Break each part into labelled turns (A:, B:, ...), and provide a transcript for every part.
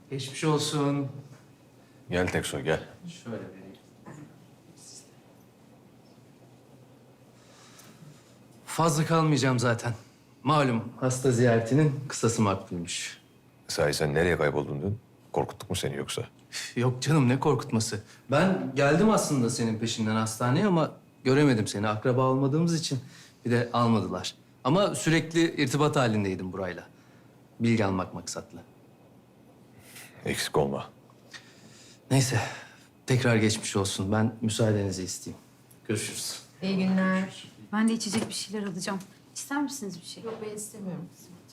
A: Geçmiş olsun.
B: Gel Teksoy gel.
A: Şöyle vereyim. Fazla kalmayacağım zaten. Malum hasta ziyaretinin kısası makbulmuş.
B: Sahi sen nereye kayboldun dün? Korkuttuk mu seni yoksa?
A: Yok canım ne korkutması. Ben geldim aslında senin peşinden hastaneye ama göremedim seni. Akraba olmadığımız için bir de almadılar. Ama sürekli irtibat halindeydim burayla. Bilgi almak maksatlı.
B: Eksik olma.
A: Neyse tekrar geçmiş olsun. Ben müsaadenizi isteyeyim. Görüşürüz.
C: İyi günler.
D: Ben de içecek bir şeyler alacağım. İster misiniz bir şey?
C: Yok ben istemiyorum.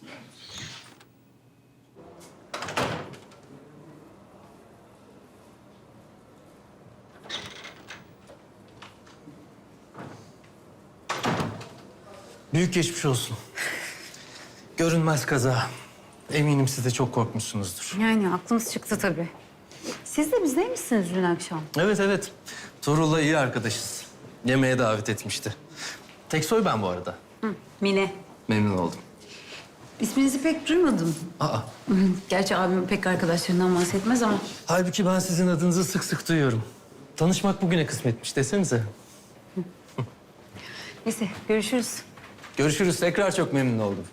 A: Büyük geçmiş olsun. Görünmez kaza. Eminim siz de çok korkmuşsunuzdur.
D: Yani aklımız çıktı tabii. Siz de bizdeymişsiniz dün akşam.
A: Evet evet. Tuğrul'la iyi arkadaşız. Yemeğe davet etmişti. Teksoy ben bu arada.
D: Mine.
A: Memnun oldum.
D: İsminizi pek duymadım.
A: Aa,
D: Gerçi abim pek arkadaşlarından bahsetmez ama.
A: halbuki ben sizin adınızı sık sık duyuyorum. Tanışmak bugüne kısmetmiş desenize.
D: Neyse görüşürüz.
A: Görüşürüz. Tekrar çok memnun oldum.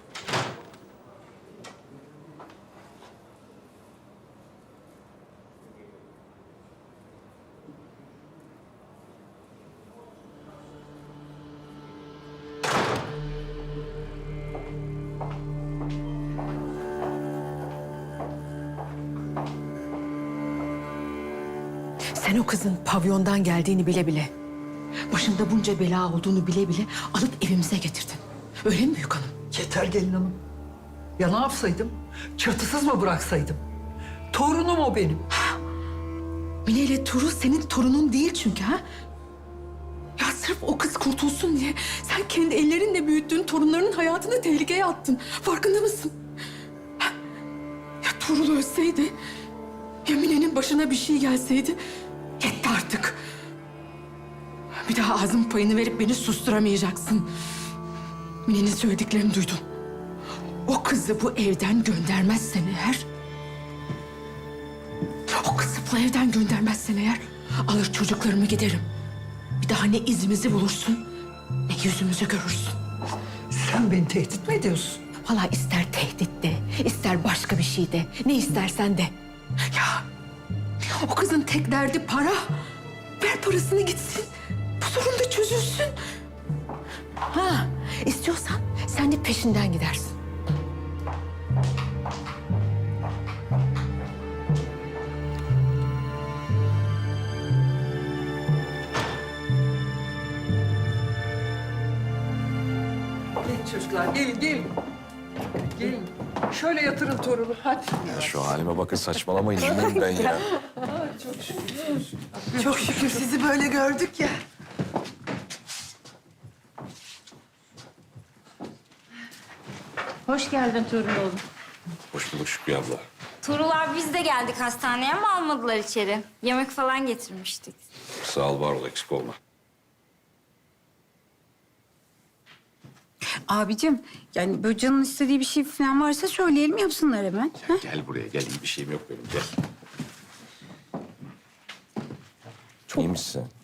E: Sen o kızın pavyondan geldiğini bile bile, başında bunca bela olduğunu bile bile alıp evimize getirdin. Öyle mi büyük hanım?
F: Yeter gelin hanım. Ya ne yapsaydım? Çatısız mı bıraksaydım? Torunum o benim.
E: Mine ile Tuğrul senin torunun değil çünkü ha? Ya sırf o kız kurtulsun diye sen kendi ellerinle büyüttüğün torunlarının hayatını tehlikeye attın. Farkında mısın? Ha? Ya Tuğrul ölseydi, ya Mine'nin başına bir şey gelseydi yetti artık. Bir daha ağzın payını verip beni susturamayacaksın. Mine'nin söylediklerini duydun. O kızı bu evden göndermezsen eğer... O kızı bu evden göndermezsen eğer... alır çocuklarımı giderim. Bir daha ne izimizi bulursun, ne yüzümüzü görürsün.
F: Sen beni tehdit mi ediyorsun?
E: Vallahi ister tehdit de, ister başka bir şey de, ne istersen de. Ya o kızın tek derdi para. Ver parasını gitsin. Bu sorun da çözülsün. Ha, istiyorsan sen de peşinden gidersin.
F: Gelin çocuklar, gelin, gelin. Gelin. Şöyle yatırın torunu, hadi.
B: Ya şu halime bakın saçmalamayın. Eminim ben ya.
F: Çok şükür sizi böyle gördük ya.
D: Hoş geldin Tuğrul oğlum.
B: Hoş bulduk Şükrü abla.
G: Tuğrul abi biz de geldik hastaneye ama almadılar içeri. Yemek falan getirmiştik.
B: Sağ ol var ol eksik olma.
D: Abicim yani böyle canın istediği bir şey falan varsa söyleyelim yapsınlar hemen. Ha?
B: Gel buraya gel. İyi bir şeyim yok benim gel. İyi misin sen?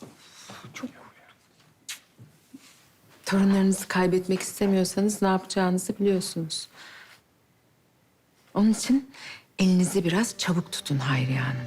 C: Torunlarınızı kaybetmek istemiyorsanız ne yapacağınızı biliyorsunuz. Onun için elinizi biraz çabuk tutun Hayriye Hanım.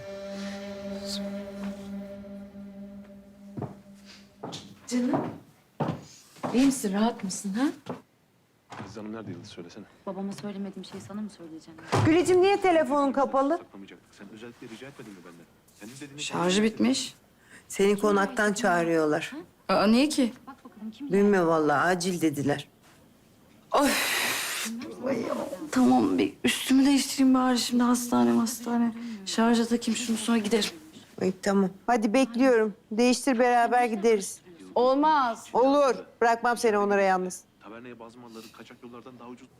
C: Canım. İyi misin? Rahat mısın ha?
H: Aziz Hanım nerede Yıldız söylesene.
D: Babama söylemediğim şeyi sana mı söyleyeceğim?
I: Güleciğim niye telefonun kapalı?
H: Saklamayacaktık. Sen özellikle rica etmedin mi benden? Senin dediğini...
I: Şarjı bitmiş. Seni konaktan çağırıyorlar.
D: Aa niye ki?
I: Bilmiyorum vallahi acil dediler.
D: Tamam bir üstümü değiştireyim bari şimdi hastane. Şarja takayım şunu sonra giderim.
I: Ay, tamam. Hadi bekliyorum. Değiştir beraber gideriz.
D: Olmaz.
I: Olur. Bırakmam seni onlara yalnız.
H: Taverneye bazı malları kaçak yollardan daha ucuz...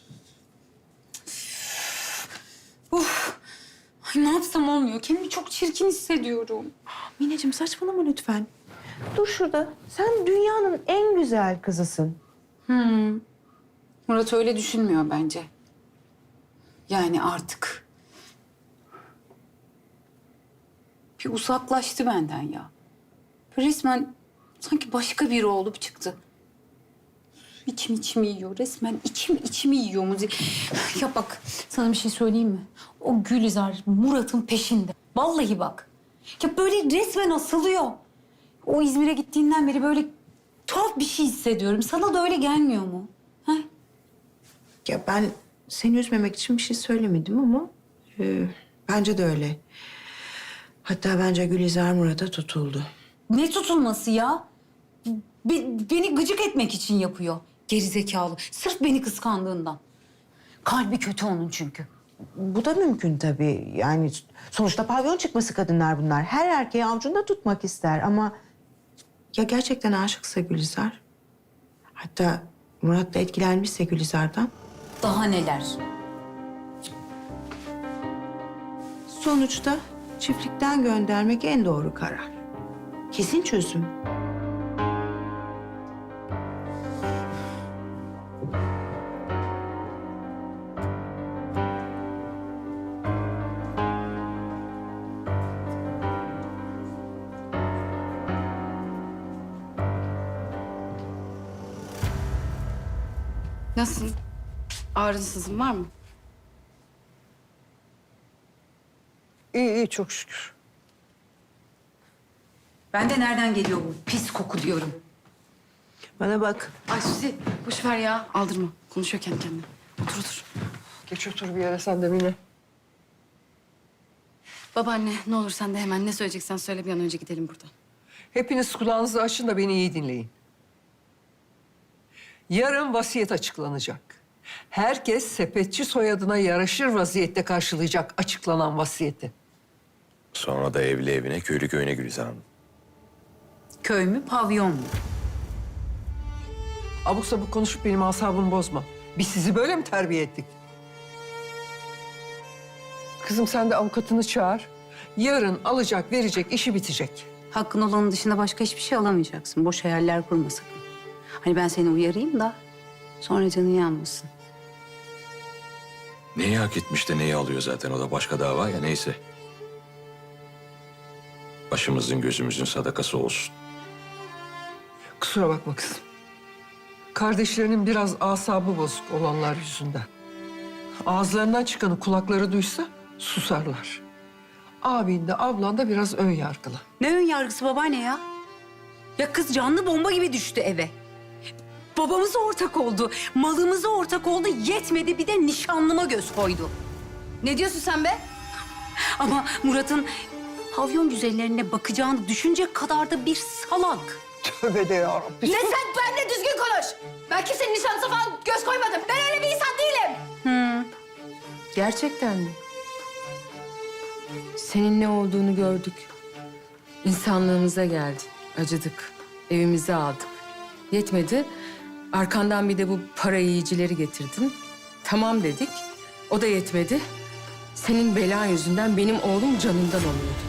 D: Ay ne yapsam olmuyor. Kendimi çok çirkin hissediyorum.
E: Mineciğim saçmalama lütfen.
I: Dur şurada. Sen dünyanın en güzel kızısın.
D: Murat öyle düşünmüyor bence. Yani artık.
J: bir uzaklaştı benden ya. Resmen sanki başka biri olup çıktı. İçimi yiyor resmen. İçimi yiyor müzik. Ya bak sana bir şey söyleyeyim mi? O Gülizar Murat'ın peşinde. Vallahi bak. Ya böyle resmen asılıyor. O İzmir'e gittiğinden beri böyle tuhaf bir şey hissediyorum. Sana da öyle gelmiyor mu? Ha?
I: Ya ben seni üzmemek için bir şey söylemedim ama bence de öyle. Hatta bence Gülizar Murat'a tutuldu.
J: Ne tutulması ya? Beni gıcık etmek için yapıyor. Gerizekalı. Sırf beni kıskandığından. Kalbi kötü onun çünkü.
I: Bu da mümkün tabii. Yani sonuçta pavyon çıkması kadınlar bunlar. Her erkeği avucunda tutmak ister ama... Ya gerçekten aşıksa Gülizar? Hatta Murat da etkilenmişse Gülizar'dan?
J: Daha neler?
I: Sonuçta çiftlikten göndermek en doğru karar. Kesin çözüm.
J: Nasıl? Ağrısızın var mı?
F: İyi çok şükür.
J: Ben de nereden geliyor bu pis koku diyorum.
I: Bana bak.
J: Ay Suzi boş ver ya. Aldırma. Konuşuyor kendi kendine. Otur.
F: Geç otur bir yere sen de Mine.
J: Babaanne ne olur sen de hemen ne söyleyeceksen söyle bir an önce gidelim buradan.
F: Hepiniz kulağınızı açın da beni iyi dinleyin. Yarın vasiyet açıklanacak. Herkes sepetçi soyadına yaraşır vaziyette karşılayacak açıklanan vasiyeti.
B: Sonra da evli evine, köylü köyüne Gülizar Hanım.
J: Köy mü pavyon mu?
F: Abuk sabuk konuşup benim asabımı bozma. Biz sizi böyle mi terbiye ettik? Kızım sen de avukatını çağır. Yarın alacak verecek işi bitecek.
J: Hakkın olanın dışında başka hiçbir şey alamayacaksın. Boş hayaller kurma sakın. Hani ben seni uyarayım da sonra canın yanmasın.
B: Neyi hak etmiş de neyi alıyor zaten, o da başka dava ya, neyse. Başımızın gözümüzün sadakası olsun.
F: Kusura bakma kızım. Kardeşlerinin biraz asabı bozuk olanlar yüzünden. Ağızlarından çıkanı kulakları duysa susarlar. Abin de ablan da biraz ön yargılı.
J: Ne ön yargısı babaanne ya? Ya kız canlı bomba gibi düştü eve. Babamıza ortak oldu, malımıza ortak oldu, yetmedi bir de nişanlıma göz koydu. Ne diyorsun sen be? Ama Murat'ın pavyon güzellerine bakacağını düşünecek kadar da bir salak.
F: Tövbe de yarabbim.
G: Ne sen benimle düzgün konuş. Ben kimsenin nişanlısı falan göz koymadım. Ben öyle bir insan değilim.
C: Gerçekten mi? Senin ne olduğunu gördük. İnsanlığımıza geldin. Acıdık. Evimize aldık. Yetmedi. Arkandan bir de bu para yiyicileri getirdin. Tamam dedik. O da yetmedi. Senin belan yüzünden benim oğlum canından oluyordu.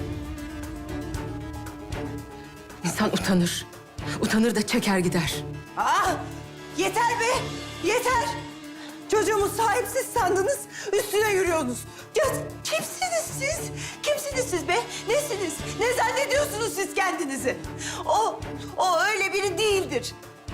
C: İnsan utanır. Utanır da çeker gider.
I: Ah! Yeter be! Yeter! Çocuğumu sahipsiz sandınız, üstüne yürüyorsunuz. Ya kimsiniz siz? Kimsiniz siz be? Nesiniz? Ne zannediyorsunuz siz kendinizi? O öyle biri değildir.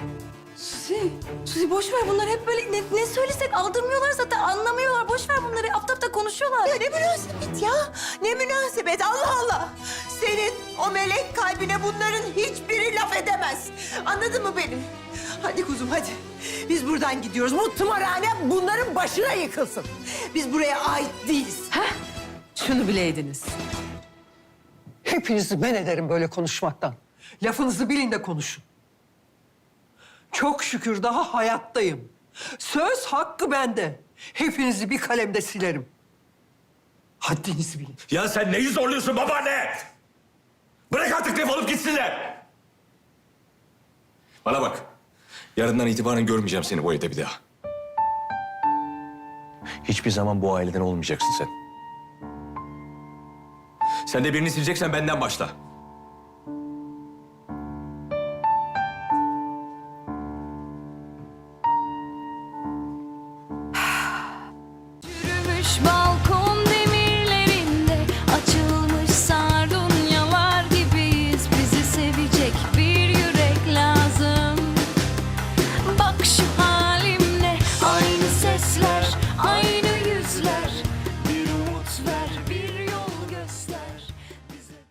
D: Suzi boş ver bunlar hep böyle ne söylesek aldırmıyorlar zaten anlamıyorlar. Boş ver bunları apta apta konuşuyorlar.
I: Ya ne münasebet ya? Ne münasebet Allah Allah! Senin o melek kalbine bunların hiçbiri laf edemez. Anladın mı beni? Hadi kuzum hadi. Biz buradan gidiyoruz. Bu tımarhane bunların başına yıkılsın. Biz buraya ait değiliz.
C: Şunu bileydiniz.
F: Hepinizi men ederim böyle konuşmaktan. Lafınızı bilin de konuşun. Çok şükür daha hayattayım. Söz hakkı bende. Hepinizi bir kalemde silerim. Haddinizi bilin.
B: Ya sen neyi zorluyorsun babaanne? Bırak artık defolup gitsinler. Bana bak. Yarından itibaren görmeyeceğim seni bu evde bir daha. Hiçbir zaman bu aileden olmayacaksın sen. Sen de birini sileceksen benden başla.
D: Yürümüş